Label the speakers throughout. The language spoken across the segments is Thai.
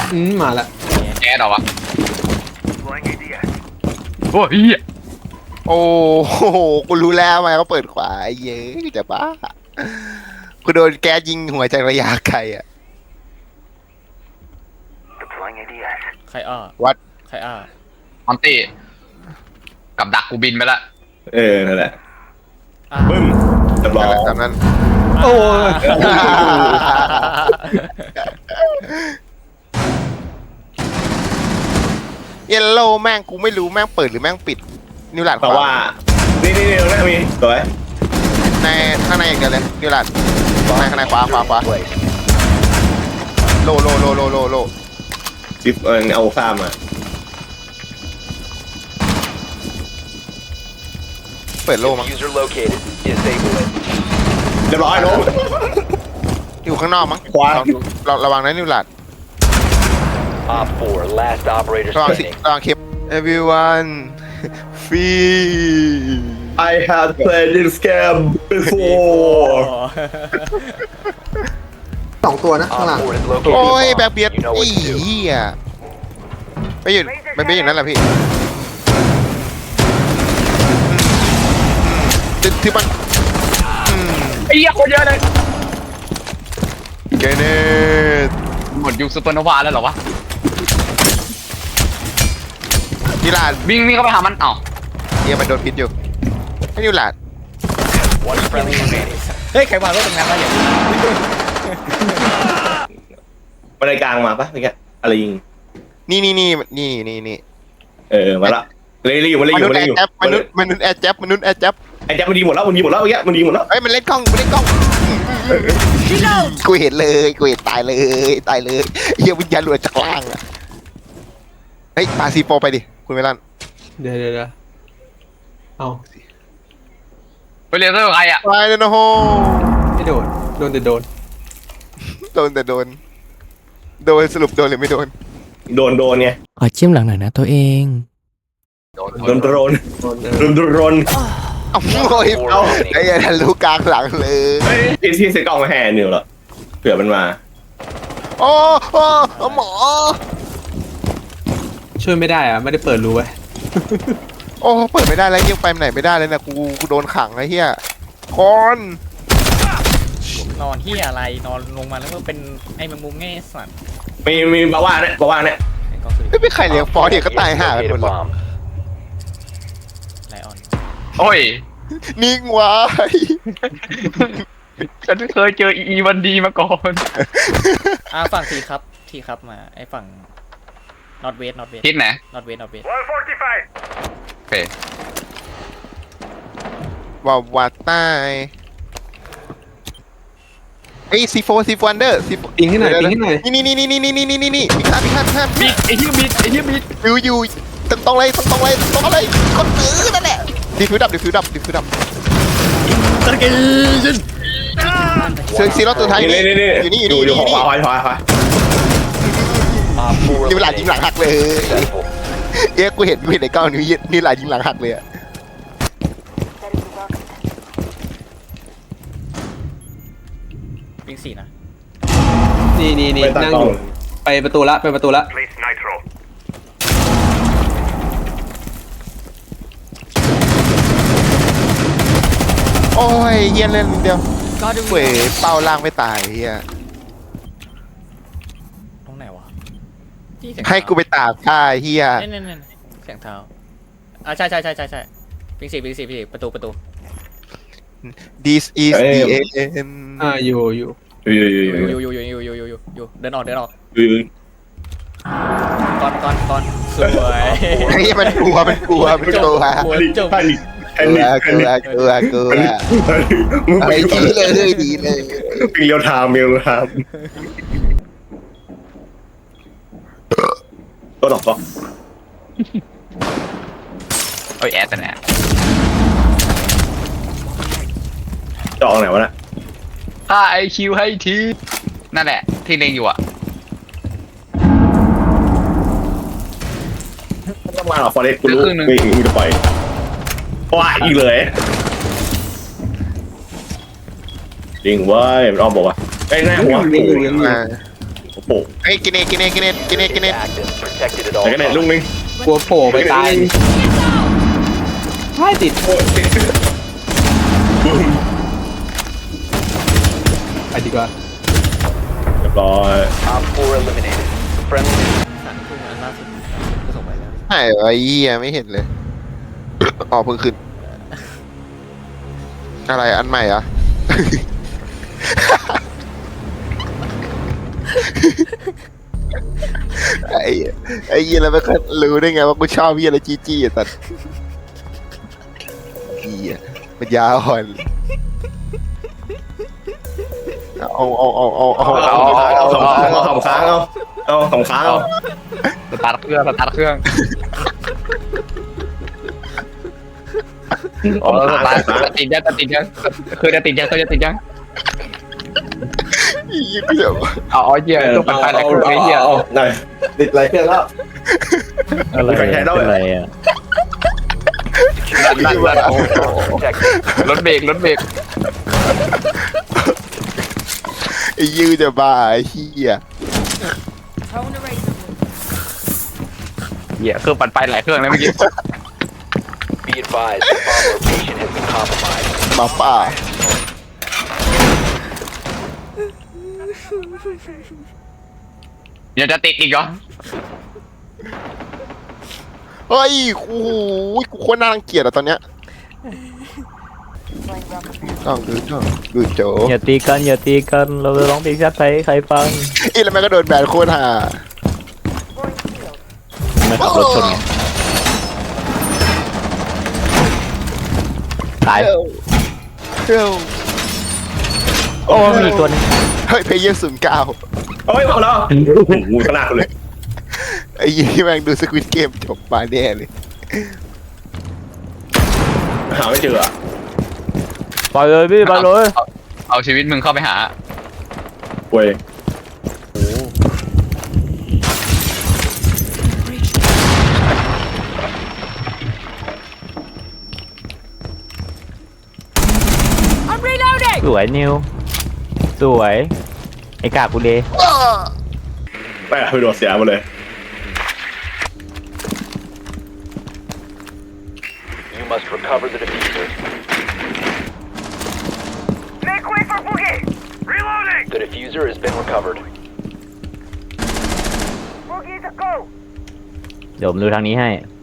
Speaker 1: มาละ
Speaker 2: แก๊สเหรอวะโอ้ย
Speaker 3: โอ้โหกูรู้แล้วทำไมเขาเปิดขวาไอ้เย้ยจะบ้ากูโดนแก๊สยิงหัวจากระยะไกลอ่ะ
Speaker 4: ใครอ้อ
Speaker 3: วัด
Speaker 4: ใครอ้อ
Speaker 2: มอนตี้กับดักกูบินไปละ
Speaker 5: นั่นแหละ
Speaker 4: อ่า
Speaker 5: บึ้มเรียบร้อย
Speaker 3: ตามนั้น
Speaker 1: โอ้ย
Speaker 3: เยลโล่แม่งกูไม่รู้แม่งเปิดหรือแม่งปิดนิวหลาดข
Speaker 5: แต่
Speaker 3: วา
Speaker 5: ว่านี่ตรงนี้มีสวย
Speaker 3: ในข้างในอย่างเดียวเลยนิวหลาดข้างในขวาโล
Speaker 5: ซิฟเอาซ่ามา
Speaker 3: เปิดโลมั้ง
Speaker 6: User located. Disable it.
Speaker 5: เรียบร้อยน้อง
Speaker 3: อยู่ข้างนอกมั้ง
Speaker 5: ขวา
Speaker 3: ระวังนะนิวหลาด
Speaker 6: Op 4, last operator
Speaker 3: ระวังสิ
Speaker 6: standing.
Speaker 3: ระวังคลิป everyone free
Speaker 5: I have played this game before
Speaker 1: 2 ตัวนะข้างหลัง
Speaker 6: Op 4 is located.
Speaker 3: โอ้ย
Speaker 6: a bomb.
Speaker 3: แบกเบียด
Speaker 6: You know
Speaker 3: ไอ้
Speaker 6: what to do.
Speaker 3: เหี้ยไม่อยู่นั่นแหละพี่ที่มัน
Speaker 2: ไอ้เหี้ยคนเยอะเลย
Speaker 3: เกเนต
Speaker 2: หมดยุคซูเปอร์โนวาแล้วเหรอวะ
Speaker 3: นิวหลาด
Speaker 2: วิ่งเข้าไปหามันเอ้า
Speaker 3: เหี้ยมันโดนพิษอยู่ให้นิวหลาด
Speaker 6: One friendly remaining.
Speaker 4: เฮ้ยใครวางรถตรงนั้นมาอย่างนี้
Speaker 5: บันไดกลางมาปะเมื่อกี้อะไรยิง
Speaker 3: นี่
Speaker 5: มาละเลยอยู่
Speaker 3: มนุษย์แอร์แจ็บมนุษย์แอร์แจ็บ
Speaker 5: ไอ้แจ๊บมันยิงหมดแล้วเมื่อกี้มันยิงหมดแล้ว
Speaker 3: เฮ้ยมันเล่นกล้องกูเห็นเลยตายเลยเหี้ยวิญญาณหลุดจากล่างอะเฮ้ยปาซีโฟไปดิคุณเมลัน
Speaker 1: เดี๋ยวเอา
Speaker 2: ไปเรียนเรื่องใครอ่ะ
Speaker 3: ไปเลยนะโฮ
Speaker 1: ไม่โดนแต่โดน
Speaker 3: แต่โดนสรุปโดนหรือไม่โดน
Speaker 5: โดนไง
Speaker 4: ขอจิ้มหลังหน่อยนะตัวเอง
Speaker 5: โดน
Speaker 3: เอาโอ้ยเอาไอ้ยันรู้กลางหลังเลย
Speaker 5: เฮ้ยที่เซ็ตกล้องมาแห่นิวเหรอเผื่อมันมา
Speaker 3: โอ้หมอ
Speaker 1: ช่วยไม่ได้อะไม่ได้เปิดรูไว้
Speaker 3: โอ้เปิดไม่ได้แล้วยังไปไหนไม่ได้เลยนะกูโดนขังไอ้เหี้ยคอน
Speaker 4: นอนที่อะไรนอนลงมาแล้วก็เป็นไอ้แมงมุมไงไอ้สัตว์
Speaker 5: มีบาว่าเนี่ย
Speaker 4: ไอ้กองสุริ
Speaker 3: ไม่เป็นใครเลี้ยงฟอสเดี๋ยวก็ตายห่ากันหม
Speaker 6: Locate
Speaker 3: ด
Speaker 6: a
Speaker 3: เลย
Speaker 6: bomb.
Speaker 4: ไลออน
Speaker 2: โอ้ย
Speaker 3: นิ่งไว้
Speaker 2: ฉันไม่เคยเจออีวันดีมาก่อน
Speaker 4: ฝั่งทีครับมาไอ้ฝั่ง not west
Speaker 2: คิดไหน
Speaker 4: not west
Speaker 2: โอเค
Speaker 3: ว่าตายไอ้ซีโฟวันเดอร์ซีโฟ
Speaker 1: ปิงให้หน่อย
Speaker 3: นี่มีข้าม
Speaker 2: บิดไอ้เหี้ยบิด
Speaker 3: อยู่ตรงเลยกดนั่นแหละดิฟิวดับซีโร่ตัวท้าย
Speaker 5: นี่ อยู่ขวา
Speaker 6: Op 4
Speaker 3: นี่เวลายิงหลังหักเลย
Speaker 6: successful.
Speaker 3: เอ๊ะกูเห็นในกล้องนี่เวลายิงหลังหักเลยอะ
Speaker 4: วิ่งสี่นะ
Speaker 1: นี่นั่งอยู่ไปประตูละ
Speaker 3: โอ้ยเฮียเล่นนิดเดียว
Speaker 4: ก็ดู
Speaker 3: เว้ยเป้าล่างไม่ตายเฮีย
Speaker 4: ตรงไหนวะที่เสียง
Speaker 3: ให้กูไปตากผ้าเฮีย
Speaker 4: เนี่ยเสียงเท้าใช่วิ่งสี่ประตู
Speaker 3: This is the end
Speaker 1: อยู่
Speaker 4: อยู่เดินออกก่อนสวย
Speaker 3: ไอ้เหี้ยมันกลัว
Speaker 4: หัวจม
Speaker 3: กลัวไอ้ดีเลย
Speaker 5: ปิงเรียวไทม์ตัวดอกก็
Speaker 2: โอ้ยแอดแต่เนี่ย
Speaker 5: จองไหนวะน่ะ
Speaker 2: ถ้าไอคิวให้ทีนั่นแหละที่เล็งอยู่อ่ะ
Speaker 5: ต้องมาหรอฟอเรสกูรู้มีจะปล่อยว้าอีกเลยจริงเว้ยมันอ้อมบอกว่าไอ้หน้าหัวโอ้โห
Speaker 3: เฮ้ยกินเนต
Speaker 6: Active. Protected at
Speaker 5: แต่
Speaker 6: all
Speaker 5: ก็เนี่ยลูก
Speaker 6: times.
Speaker 5: นึง
Speaker 1: กลัวโผล่ไปตายไม่ติด
Speaker 5: โอ้ย
Speaker 1: ไปดีกว่า
Speaker 5: เรียบร้อย
Speaker 6: Op 4 eliminated. Friendly.
Speaker 4: สันทุ่งอันล่าสุดก็ส่งไปแล้ว
Speaker 3: ใช่ไอ้เหี้ยไม่เห็นเลย อ๋อเพิ่งขึ้น อะไรอันใหม่เหรอ่ะ ไอ้เหี้ยแล้วไม่เคยรู้ได้ไงว่ากูชอบเหี้ยอะไรจี้อ่ะแต่เหี้ยมันยาอ่อนเอา
Speaker 5: เอาสองค้างเอาสองค้างเอาสองค้างเอา
Speaker 2: สตาร์ทเครื่องอ๋อสตาร์ทติดยังคือจะติดยัง
Speaker 3: เหี้ยกูจะ
Speaker 2: เอาเหี้ยต้องไปไหนคือไอ้เหี้ย
Speaker 5: เอาหน่อยติดไรเครื่องแล้ว
Speaker 7: อะไร
Speaker 5: ใครใช้แล้ว
Speaker 7: เป็นไรอ่ะ
Speaker 2: ลั่น
Speaker 6: Protected.
Speaker 2: รถเบรก
Speaker 3: ไอ้ยือจะบ้าไอ้เหี้ย
Speaker 2: เหี้ยเครื่องปั่นไปหลายเครื่องแล้วเมื่อกี้
Speaker 6: Be advised, the bomb location has been compromised.
Speaker 3: หมาป่า
Speaker 2: เดี๋ยวจะติดอีกเหรอ
Speaker 3: เฮ้ยโอ้โหกูโคตรน่ารังเกียจอะตอนเนี้ยต้องดูโจ
Speaker 7: อย่าตีกันอย่าตีกันเราจะร้องเพลงชาติไทยให้ใครฟัง
Speaker 3: อีแล้วมันก็โดนแบนโคตรห่า
Speaker 7: ไม่ขับรถชนไงตาย
Speaker 3: เฮ้ย
Speaker 7: โอ้มีอีกตัวหนึง
Speaker 3: เฮ้ยเพย์เยอร์09
Speaker 5: เอาไว้พอแล้วงูขนาดเลย
Speaker 3: ไอ้ยี่แม่งดูสควิตเกมจบมาแน่เลย
Speaker 5: หาไม่เจออ่ะ
Speaker 7: ปล่อยเลยพี่ปล่อยเลย
Speaker 2: เอาชีวิตมึงเข้าไปหา
Speaker 5: เว้ย
Speaker 7: สวยนิวสวยไอ้กากกูเลย
Speaker 5: ไปไปโดดเสียหมดเลย
Speaker 6: You must recover the diffuser.
Speaker 8: Make way for Boogie! Reloading!
Speaker 6: The diffuser has been recovered.
Speaker 8: Boogie's a go!
Speaker 7: เดี๋ยวผมดูทางนี้ให้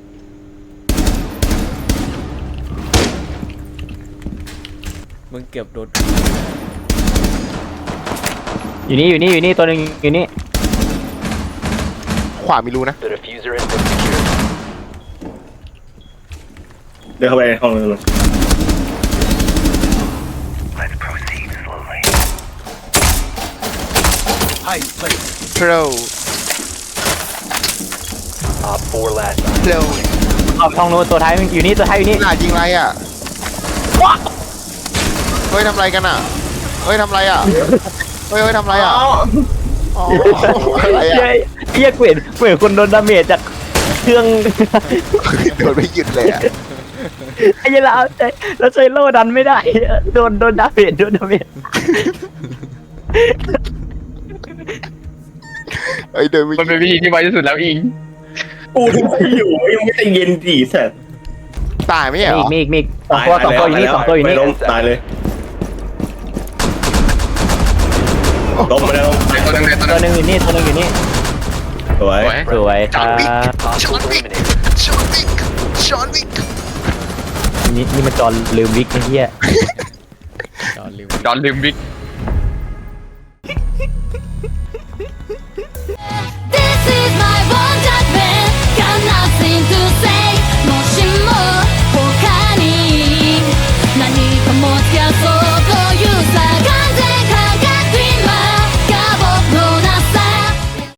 Speaker 4: มึงเกือบโดน
Speaker 7: อยู่นี่ตัวหนึงอยู่นี่
Speaker 3: ขวาไม่รู้นะ
Speaker 6: The diffuser has been secured.
Speaker 5: เดินเข้าไปในห้องนึง
Speaker 8: Let's proceed slowly.
Speaker 3: โปร
Speaker 6: Op 4 last time.
Speaker 3: โปร
Speaker 7: เอาห้องนู้นตัวท้ายมันอยู่นี่ตัวท้ายอยู่นี่
Speaker 3: หน้ายิงไรอ่ะเฮ้ยทำไรกันอ่ะเฮ้ยทำไรอ่ะเฮ้ยทำไรอ่ะอ๋ออะไรอ่ะ
Speaker 7: เหี้ยเกวียนเหมือนคนโดนดาเมจจากเครื่อง
Speaker 3: โดนไม่หยุดเลยอ่ะ
Speaker 7: ไอ้เหี้ยเราใช้โล่ดันไม่ได้โดนดาเมจ
Speaker 3: ไอ้เดินไม่ห
Speaker 2: มัน
Speaker 3: ยุ
Speaker 2: เป็น
Speaker 3: ด
Speaker 2: วิธีที่ไวที่สุดแล้วอิง
Speaker 5: กูที่อยู่ยังไม่ใจเย็นดีแสบ
Speaker 3: ตายไหมเหรอ
Speaker 7: มีอีกสองตัวอยู่นี่สองตัวอยู่นี่
Speaker 5: ไม่ล้มตายเลยล้มไปแล้ว
Speaker 2: ตัวนึง
Speaker 7: ตัวหนึงอยู่นี่
Speaker 5: สวย
Speaker 7: สวยครับ
Speaker 6: Hostile eliminated.
Speaker 3: ชอนวิก
Speaker 7: นี่มันจอนลืมวิกไอ้เหี้ย
Speaker 4: จอดลืม
Speaker 2: ดอนลืมบิ๊ก